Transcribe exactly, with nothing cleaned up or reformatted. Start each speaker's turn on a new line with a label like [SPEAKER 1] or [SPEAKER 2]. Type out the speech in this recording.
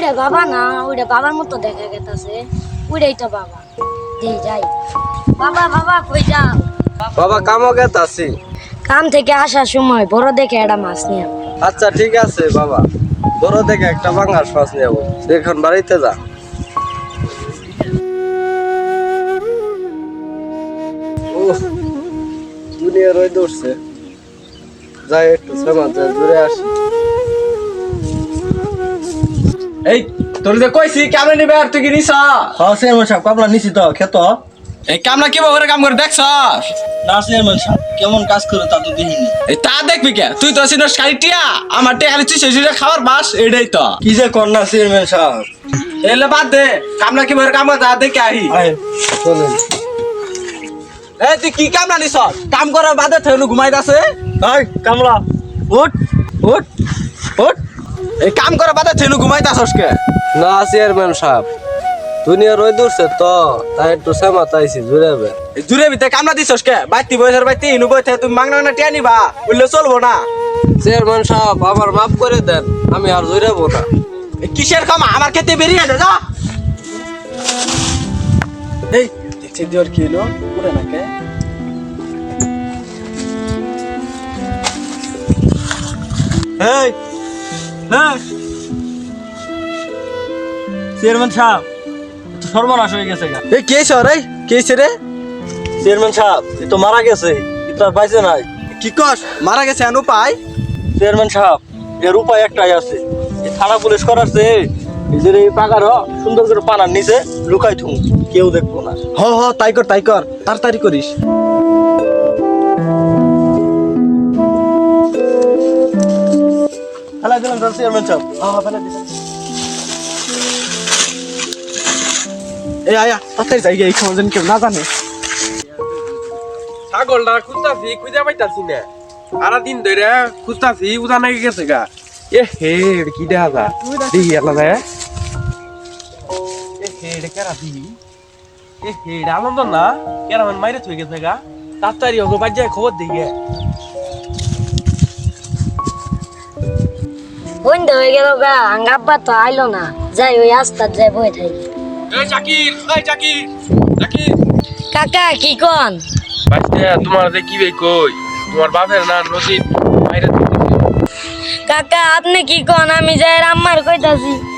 [SPEAKER 1] ওইটা বাবা না, ওইটা বাবার মতো দেখা গেছে। ওইটাই তো বাবা। দে যাই। বাবা বাবা কই যাও?
[SPEAKER 2] বাবা কামও গেতাছি।
[SPEAKER 1] কাম থেকে আসার সময় বড় দেখে একটা মাছ নিয়ে।
[SPEAKER 2] আচ্ছা ঠিক আছে বাবা, বড় দেখে একটা বাঙ্গাস মাছ নেব। এখন বাড়িতে যা। উফ, দুনিয়া রয়ে দৌড়ছে। যাই একটু সমাজ ঘুরে আসি।
[SPEAKER 3] এই তোর যে কইছি কামলা নিবে আর তুই কি নিছ?
[SPEAKER 4] হ্যাঁ চেয়ারম্যান সাহেব কামলা নিছি তো খেত।
[SPEAKER 3] এই কামলা কি করে কাম করে দেখছস?
[SPEAKER 4] না চেয়ারম্যান সাহেব কেমন কাজ করে তা তো দেখিনি।
[SPEAKER 3] এই তা দেখবি কে? তুই তো সিনস কালিটিয়া আমার টে খালি তুই সেজুরে খাবার বাস এটাই তো।
[SPEAKER 4] কি যে কর না চেয়ারম্যান সাহেব।
[SPEAKER 3] এলে বাদ দে, কামলা কি করে কাম করে তা দেখে আহি।
[SPEAKER 4] আয় চলেন।
[SPEAKER 3] এই তুই কি কামলা নিছ? কাম করার বাদে থেনু ঘুমাইতাছে।
[SPEAKER 4] আয় কামলা উঠ উঠ উঠ।
[SPEAKER 3] এই কাম করার বাদে থেনু ঘুমাইতাছস কে?
[SPEAKER 2] না চেয়ারম্যান সাহেব, দুনিয়া রয়ে দৌড়ছে তো, তাই একটু সমাজ আইছি ঘুরে বে।
[SPEAKER 3] এই জুরে ভিতরে কামলা দিছস কে? বাইতি বয়সের বাইতি ইনু বইতে তুমি মাংনা মাংনা টিয়া নিবা, বললে চলবো না।
[SPEAKER 2] চেয়ারম্যান সাহেব আমার মাফ করে দেন, আমি আর জুড়াবো না।
[SPEAKER 3] এই কিসের কাম? আমার খেতে বেরিয়ে যা।
[SPEAKER 4] এই দেখছি দিওর কি হলো পুরে নাকে। এই এই চেয়ারম্যান সাহেব তো সর্বনাশ হয়ে গেছে গা।
[SPEAKER 3] এই কে হইছে রে? কে হইছে রে?
[SPEAKER 4] চেয়ারম্যান সাহেব এ তো মারা গেছে, কিন্তু আর বাইসে নাই।
[SPEAKER 3] কি কস? মারা গেছে আনু পাই?
[SPEAKER 4] চেয়ারম্যান সাহেব এর উপায় একটাই আছে, এই থানা পুলিশ করাচ্ছে এই যে এই পাকার সুন্দর করে পানার নিচে লুকাই থুম, কেউ দেখবো না।
[SPEAKER 3] হ হ তাই কর তাই কর, তাড়াতাড়ি করিস।
[SPEAKER 4] ফেলাই দিলাম স্যার চেয়ারম্যান সাহেব। হ্যাঁ হ্যাঁ ফেলাই দিলাম।
[SPEAKER 3] এই আয়া তাড়াতাড়ি যাই গে, এই খবর যেন কেউ না জানে।
[SPEAKER 5] ছাগলটা খুঁজতাছি, খুঁজে পাইতাছি না। সারাদিন ধরে খুঁজতাছি, উজা নাকি গেছে গা। এ হে কি দেখা যা দেখি আল্লাহ এ হে কেরা দিবি। এ হে আনন্দ না কেরা মানে মাইরে থয়ে গেছে গা। তাড়াতাড়ি ওকে বাদ যায় খবর দিই গে।
[SPEAKER 1] বন্ধ হয়ে গেল গা, আঙ্গাব্বা তো আইলো না। যাই ওই আস্তার যাই বই থাকি।
[SPEAKER 5] এই জাকির, এই জাকির, জাকির।
[SPEAKER 1] কাকা কি কন?
[SPEAKER 5] বাইতে তোমার যে কি বে কই? তোমার বাপের না নদী মাইরে থয়ে গেছে।
[SPEAKER 1] কাকা আপনি কি কন? আমি যাই আম্মার কইতাছি।